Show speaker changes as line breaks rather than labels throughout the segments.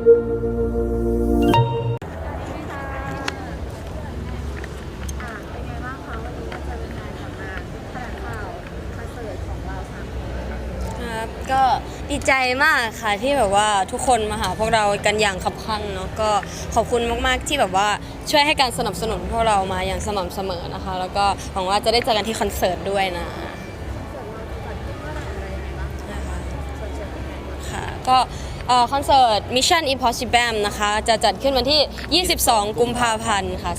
เป็นไงบ้างคะวันนี้ก็เจอเป็นงานกับงานแถลงข่าวคอนเสิร์ตของเรา3 คน
ครับก็ดีใจมากค่ะที่แบบว่าทุกคนมาหาพวกเรากันอย่างคับคั่งเนาะก็ขอบคุณมากๆที่แบบว่าช่วยให้การสนับสนุนพวกเรามาอย่างสม่ำเสมอนะคะแล้วก็หวังว่าจะได้เจอกันที่คอนเสิร์ตด้วยนะค่ะก็คอนเสิร์ต Mission Impossible นะคะจะจัดขึ้นวันที่ 22 กุมภาพันธ์ค่ะ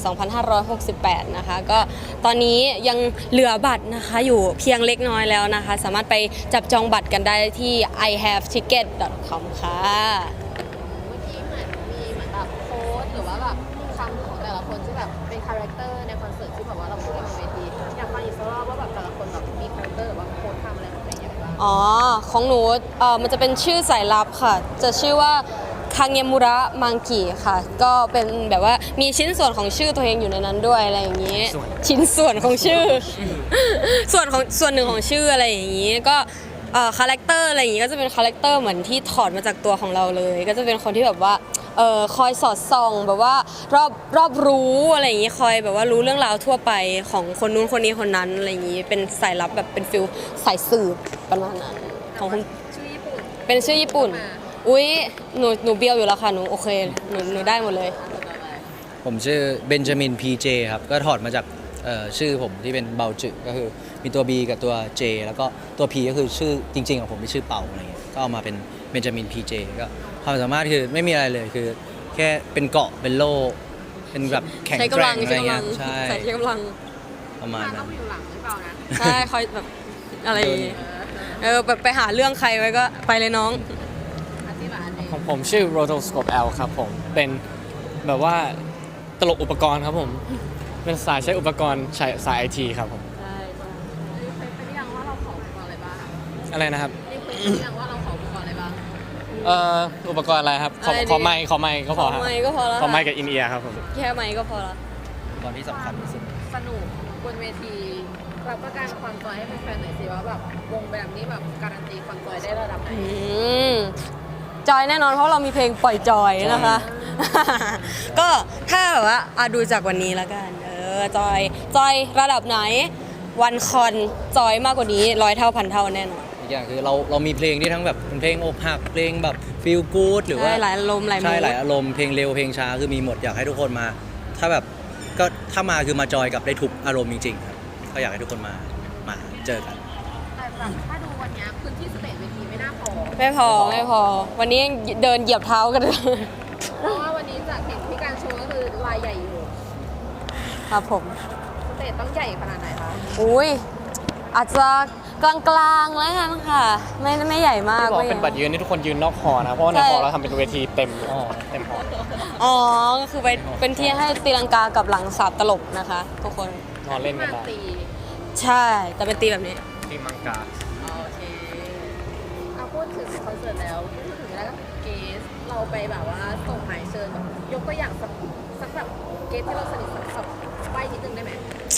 2568 นะคะก็ตอนนี้ยังเหลือบัตรนะคะอยู่เพียงเล็กน้อยแล้วนะคะสามารถไปจับจองบัตรกันได้ที่ ihaveticket.com ค่ะ
เมื่อกี้เหมือนมีเหมือนแบบโค้ดหรือว่าแบบคำของแต่ละคนที่แบบเป็นคาแรคเตอร์ในคอนเสิร์ตที่แบบว่าเราพูดกันบนเวทีอยากฟังอีกสักรอบว่าแบบแต่ละคนแบบมีคาแรคเตอร์หรือว่าโค้ดคำอะไรของตัวเองอย่างไรบ้าง
อ๋อของหนูมันจะเป็นชื่อสายลับค่ะจะชื่อว่าคังเงมุระมังกิค่ะก็เป็นแบบว่ามีชิ้นส่วนของชื่อตัวเองอยู่ในนั้นด้วยอะไรอย่างนี้ชิ้นส่วนของชื่อ ส่วนหนึ่งของชื่ออะไรอย่างนี้ก็คาแรคเตอร์อะไรอย่างนี้ก็จะเป็นคาแรคเตอร์เหมือนที่ถอดมาจากตัวของเราเลยก็จะเป็นคนที่แบบว่าคอยสอดส่องแบบว่ารอบรู้อะไรอย่างนี้คอยแบบว่ารู้เรื่องราวทั่วไปของคนนู้นคนนี้คนนั้นอะไรอย่างนี้เป็นสายลับแบบเป็นฟิลสายสืบประมาณนั้นของคุณ
ชื่อญี่ปุ่น
เป็นชื่อญี่ปุ่นอุ๊ยหนูเบียวอยู่แล้วค่ะหนูโอเคหนูได้หมดเลย
ผมชื่อเบนจามินพีเจครับก็ถอดมาจากชื่อผมที่เป็นเบาจืก็คือมีตัว B กับตัว J แล้วก็ตัว P ก็คือชื่อจริงๆของผมที่ชื่อเป่าอะไรเงี้ยก็เอามาเป็นเบนจามินพีเจก็ความสามารถคือไม่มีอะไรเลยคือแค่เป็นเกาะเป็นโล่เป็นแบบแข็งแกร่งอะไรเงี้ยใช่
ใส่กำลัง
ประมาณนั้
ต้อน งอยู่หลังหรือเปล่านะ
ใช่คอยแบบอะไรอย่างงี้แบบไปหาเรื่องใครไว้ก็ไปเลยน้อง
ของผมชื่อ Rotoscope L ครับผมเป็นแบบว่าตลกอุปกรณ์ครับผมเป็นสายใช้อุปกรณ์สาย IT ครับผม
ใช่เป็นยังว่าเราขออุปกรณ์อะไรบ้าง
อะไรนะครับ
เป็นยังว่าเราขออุปกรณ์อะไรบ้าง
อุปกรณ์อะไรครับขอไมค์ก็พอครับ
ไมค์ก็พอแล้ว
ขอไมค์กับอินเอียร์ครับผม
แค่ไมค์ก็พอแล้ว
ตอนที่สำคัญที่สุด
สนุกบนเวทีรับประกันความจอยให้แฟนๆหน่อยสิว่าแบบวงแบบนี้แบบการันตีความจอยได้ระดับไหน
จอยแน่นอนเพราะเรามีเพลงปล่อยจอยนะคะ ก็ถ้าแบบว่าดูจากวันนี้แล้วกันจอยระดับไหนวันคอนจอยมากกว่านี้100 เท่าพันเท่าแน่นอน
อีกอย่างคือเรามีเพลงที่ทั้งแบบเป็นเพลงอกหักเพลงแบบฟีลกู๊ดหรือว่า
หลายอารมณ์หลาย
ใช่หลายอารมณ์เพลงเร็วเพลงช้าคือมีหมดอยากให้ทุกคนมาถ้าแบบก็ถ้ามาคือมาจอยกับได้ทุกอารมณ์จริงๆครับก็อยากให้ทุกคนมาเจอกัน
แต่แบบถ้าดูวันนี้พื้นที่สเตจเวทีไม่น่าพอ
ไม่พอวันนี้เดินเหยียบเท้ากันเลย
เพราะว่าวันนี้จากเห็นที่การโชว์ก็คือลายใหญ่อยู่
ครับผม
สเตจต้องใหญ่ขนาดไหนคะ
อุ้ยอาจจะกลางๆแล้วกันค่ะไม่ใหญ่มาก
ที่บอกเป็นบัตรยืนนี่ทุกคนยืนนอกหอนะเพราะว่าในหอเราทำเป็นเวทีเต็มหอ
อ๋อก็คือเป็นที่ให้ตีลังกากับหลังสาบตลบนะคะทุกคน
นอนเล่นกันได้
ใช่แต่เป็นตีแบบนี้
ตีมังกา
โอเคเอาพูดถึงคอนเสิร์ตแล้วพูดถึงแล้วเกสเราไปแบบว่าส่งหมายเชิญยกตัวอย่างสักแบบเกสที่เราสนิทสักใบนิดนึงได้ไหม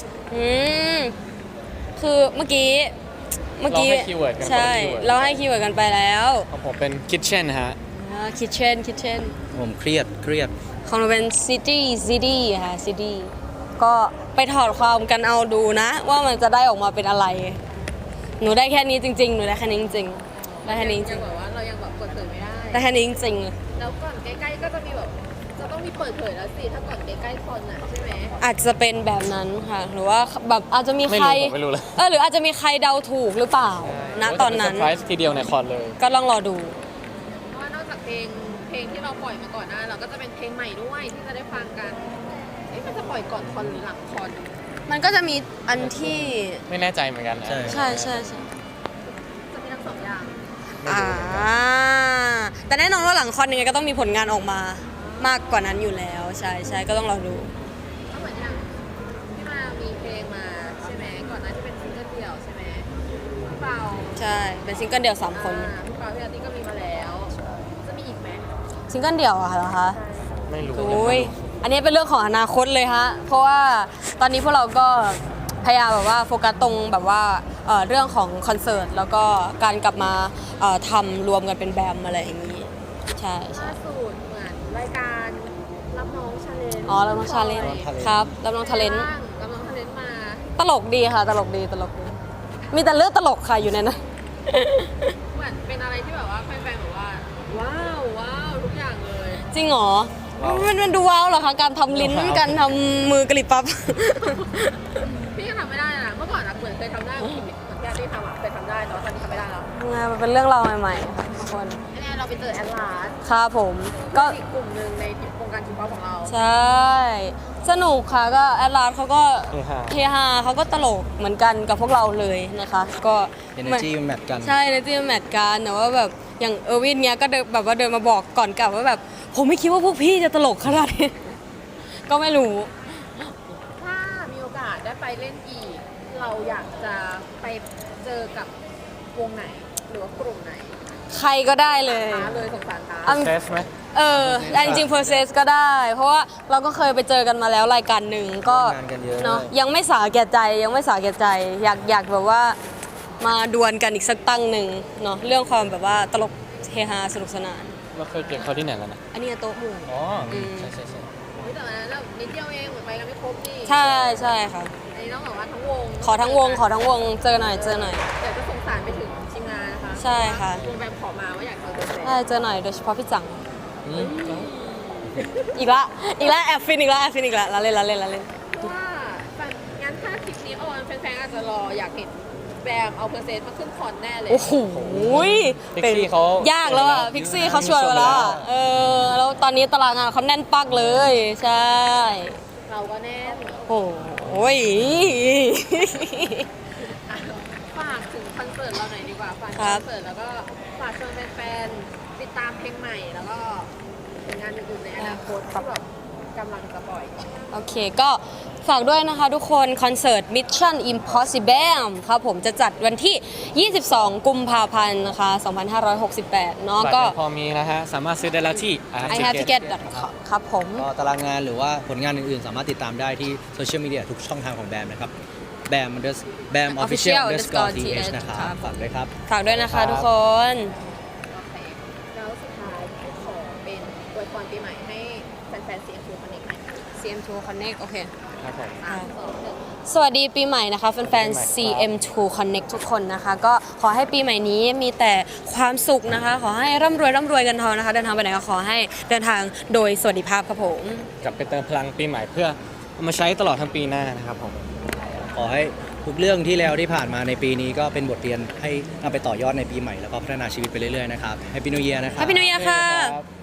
คือเมื่อกี้
เราให้คีย์เวิร์ดกัน
ใช่เราให้คีย์เวิร์ดกันไปแล้ว
ของผมเป็นคิทเช่นฮะ
คิทเช่น
ผมเครียด
ของเราเป็นซิตี้ค่ะซิตี้ก็ไปถอดความกันเอาดูนะว่ามันจะได้ออกมาเป็นอะไรหนูได้แค่นี้จริงๆหนูได้แค่นี้จริงๆได้แค่นี้จริง
ๆแบบว่าเรายังแบบเปิดเผยไม่ได้
แค่นี้จริง
ๆแล้วก่อนใกล้ๆก็จะมีแบบจะต้องมีเปิดเผยแล้วสิถ้าก่อนใกล้ๆคอนน่ะใช่ไหม
อาจจะเป็นแบบนั้นค่ะหรือว่าแบบอาจจะมีใคร
ไม่รู้เลย
หรืออาจจะมีใครเดาถูกหรือเปล่าณตอนนั้น
เซอร์ไพรส์ทีเดียวในคอนเลย
ก็ลองรอดู
เพราะว่านอกจากเพลงที่เราปล่อยมาก่อนหน้าเราก็จะเป็นเพลงใหม่ด้วยที่จะได้ฟังกันมันจะปล่อยก่อนคอนหรือหลังคอน
มันก็จะมีอันที่
ไม่แน่ใจเหมือนกัน
ใช่
จะมีทั้ง2 อย่าง
แต่แน่นอนว่าหลังคอนยังไงก็ต้องมีผลงานออกมามากกว่านั้นอยู่แล้วใช่ก็ต้องรอดู
ก็เหมือนอย่างที่มามีเพลงมาใช่ไหมก่อนหน้าที่เป็นซิงเกิลเดี่ยวใช่ไหมพี่เปา
ใช่เป็นซิงเกิลเดี่ยว3 คน
พี่เปาพี่อาร์ตี้ก็มีมาแล้วจะมีอีกไหม
ซิงเกิลเดี่ยวเหรอคะ
ไม่รู้
อันนี้เป็นเรื่องของอนาคตเลยฮะเพราะว่าตอนนี้พวกเราก็พยายามแบบว่าโฟกัสตรงแบบว่าเรื่องของคอนเสิร์ตแล้วก็การกลับมาทำรวมกันเป็นแบมอะไรอย่างนี้ใช่ใช่
ล่าสุดเหมือนรายการรับน้องชาเลนจ์
อ๋อรับน้องชาเลนจ์ครับรับน้องทาเลนต์
รับน้องชาเลนจ์มา
ตลกดีค่ะตลกดีตลกดีมีแต่เรื่องตลกค่ะอยู่ในนั้น
เหมือนเป็นอะไรที่แบบว่าแฟนๆบอกว่าว้าวว้าวทุกอย่างเลย
จริงเหรอ มันดูว้าวเหรอคะการทำลิ้นการทำมือกระลิบปั๊บ
พี่ก็ทำไม่ได้นะเมื่อก่อนอะเหมือนเคยทำได้เหมือนที่อาร์ตี้ทำอะเคยทำได้แต่ว่าตอนนี้ทำไม่ได้แล้ว
มันเป็นเรื่องราวใหม่ๆค่ะทุกคน
อันนี้เราไปเจอแอดลาส
ครับผมก็
อีกกลุ่มหนึ่งในโครงการชิปป๊อปของเรา
ใช่ สนุกค่ะก็แอดลาสเขาก็
เฮฮา
เฮฮาเขาก็ตลกเหมือนกันกับพวกเราเลยนะคะ ก็
energy มันแมทกัน
ใช่ energy มันแมทกันแต่ว่าแบบอย่างเออร์วินเนี้ยก็เดินแบบว่าเดินมาบอกก่อนกลับว่าแบบผมไม่คิดว่าพวกพี่จะตลกขนาดนี้ ก็ไม่รู้
ถ้ามีโอกาสได้ไปเล่นอีก เราอยากจะไปเจอกับวงไหน หรือว่ากลุ่มไหน
ใครก็ได้เลย
ท้าเลยสงสารท้า
อัน
เซสไหม
แต่จริงๆ process ก็ได้ เพราะว่าเราก็เคยไปเจอกันมาแล้วรายการหนึ่งก็
ร่วมงานกันเยอะ
เนาะยังไม่สาแก่ใจยังไม่สาแก่ใจอยากแบบว่ามาดวลกันอีกสักตั้งหนึ่งเนาะเรื่องความแบบว่าตลกเฮฮาสนุกสนาน
เราเคยเจอเขาที่ไหนแล้วนะ
อันนี้โต๊ะหมู่
อ๋อ
ม
ใช่ใช่ใช่
แต่วันนั้นเรานิดเดียวเองเหมือนไปกันไม่ครบนี่
ใช่ใช่ค่ะ
อันนี้ต้องบอกว่าทั้งวง
ขอทั้งวงเจอหน่อย
เดี๋ยวจะส่งสารไปถึงทีมงานนะคะ
ใช่ค่ะ
วงแบบขอมาว่าอยากเจอเซน
ใช่เจอหน่อยโดยเฉพาะพี่จัง
อืม
อีกละแอบฟินอีกละละเล่น
ว่างั้นถ้าคลิปนี้ออนแฟนๆอาจจะรออยากเห็นแบมเอาเพอร์เซนต์มาขึ้นคอนแน่เลย
โอ้โห
พิกซี่เขา
ยากแล้วอ่ะพิกซี่เขาชวนมาแล้วอะแล้วตอนนี้ตารางงานเขาแน่นปักเลย ใช่
เราก็แน่น
โอ้ย
ฝากถึงคอนเสิร์ตเราหน่อยดีกว่าฝากถึง
ครั
ค
บ
อนเสิร์ตแล้วก็ฝากชวนแฟนๆติดตามเพลงใหม่แล้วก็ผลงานอื่นๆในอนาคตที่แบบกำลังจะปล่อย
โอเคก็ฝากด้วยนะคะทุกคนคอนเสิร์ต Mission Impossible ครับผมจะจัดวันที่ 22 กุมภาพันธ์นะคะ 2568 เนาะ
บัตร
ก็
ยังพอมีนะฮะ สามารถซื้อได้แล้วที่
I have ticket ครับผม
ก็ตารางงานหรือว่าผลงานอื่นๆ สามารถติดตามได้ที่โซเชียลมีเดียทุกช่องทางของแบมนะครับแบมofficial underscore th นะครับฝากด้วยครับ
ฝากด้วยนะคะทุกคน
โอเคแล้วสุดท้ายขอเป็นอวยพรปีใหม่ให้แฟนๆ CM2 Connect หน่อยค่ะ
CM2 Connect โอเค
ครับผม
3 2 1
สวัสดีปีใหม่นะคะแฟนๆ CM2 Connect ทุกคนนะคะ ก็ขอให้ปีใหม่นี้มีแต่ความสุขนะคะ ขอให้ร่ำรวยกันทองนะคะ เดินทางไปไหนก็ขอให้เดินทางโดยสวัสดิภาพครับผม
กลับไปเติมพลังปีใหม่เพื่อเอามาใช้ตลอดทั้งปีหน้านะครับผม
ขอให้ทุกเรื่องที่แล้วที่ผ่านมาในปีนี้ก็เป็นบทเรียนให้นำไปต่อยอดในปีใหม่แล้วก็พัฒนาชีวิตไปเรื่อยๆนะครับ Happy New Year นะครับ
Happy New Year ค่ะ
ครับ